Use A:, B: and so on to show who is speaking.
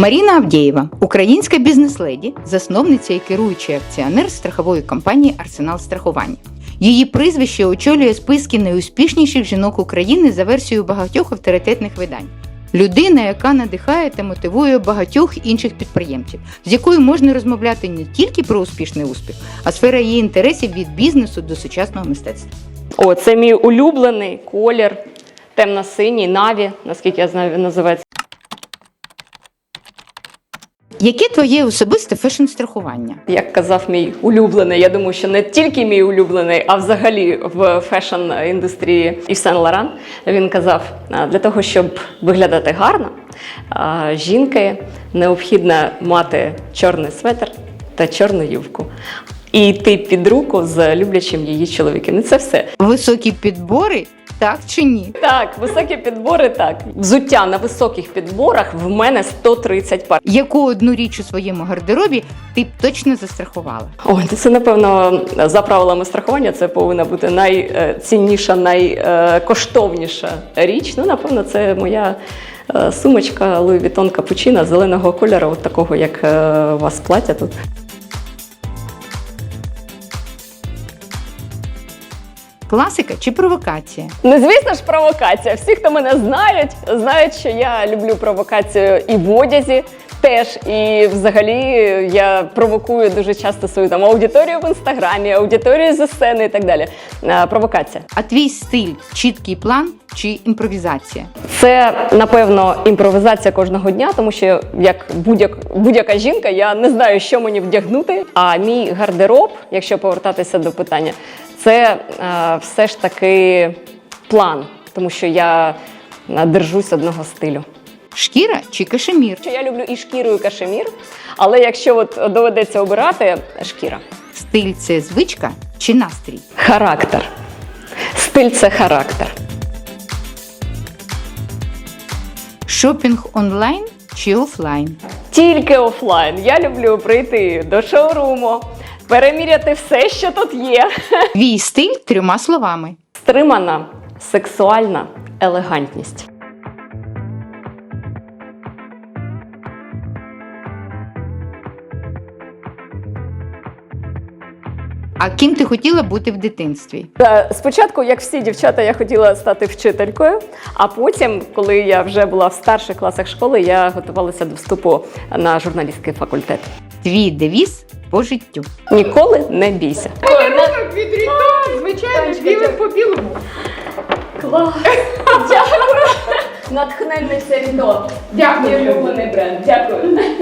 A: Маріна Авдєєва – українська бізнес-леді, засновниця і керуючий акціонер страхової компанії «Арсенал страхування». Її прізвище очолює списки найуспішніших жінок України за версією багатьох авторитетних видань. Людина, яка надихає та мотивує багатьох інших підприємців, з якою можна розмовляти не тільки про успішний успіх, а сфера її інтересів від бізнесу до сучасного мистецтва.
B: О, це мій улюблений колір, темно-синій, наві, наскільки я знаю, він називається.
A: Яке твоє особисте фешн-страхування?
B: Як казав мій улюблений, я думаю, що не тільки мій улюблений, а взагалі в фешн-індустрії Ів Сен-Лоран, він казав, для того, щоб виглядати гарно, жінки необхідно мати чорний светр та чорну юбку. І йти під руку з люблячим її чоловіком. І це все.
A: Високі підбори? Так чи ні?
B: Так, високі підбори, так. Взуття на високих підборах в мене 130 пар.
A: Яку одну річ у своєму гардеробі ти б точно застрахувала?
B: Ой, це, напевно, за правилами страхування, це повинна бути найцінніша, найкоштовніша річ. Ну, напевно, це моя сумочка Louis Vuitton Cappuccino зеленого кольору, от такого, як у вас плаття тут.
A: Класика чи провокація?
B: Ну, звісно ж, провокація. Всі, хто мене знають, що я люблю провокацію і в одязі теж. І взагалі я провокую дуже часто свою там аудиторію в інстаграмі, аудиторію зі сцени і так далі. Провокація.
A: А твій стиль – чіткий план чи імпровізація?
B: Це, напевно, імпровізація кожного дня, тому що, як будь-яка жінка, я не знаю, що мені вдягнути. А мій гардероб, якщо повертатися до питання, це все ж таки план, тому що я держусь одного стилю.
A: Шкіра чи кашемір?
B: Я люблю і шкіру, і кашемір, але якщо от доведеться обирати – шкіра.
A: Стиль – це звичка чи настрій?
B: Характер. Стиль – це характер.
A: Шопінг онлайн чи офлайн?
B: Тільки офлайн. Я люблю прийти до шоуруму, переміряти все, що тут є.
A: Твій стиль трьома словами.
B: Стримана, сексуальна елегантність.
A: А ким ти хотіла бути в дитинстві?
B: Спочатку, як всі дівчата, я хотіла стати вчителькою, а потім, коли я вже була в старших класах школи, я готувалася до вступу на журналістський факультет.
A: Твій девіз по життю.
B: Ніколи не бійся.
A: Малюнок від Рітон, звичайно, білим по білому.
B: Клас! Дякую! Натхненний це Рітон.
A: Дякую.
B: Мій улюблений бренд. Дякую.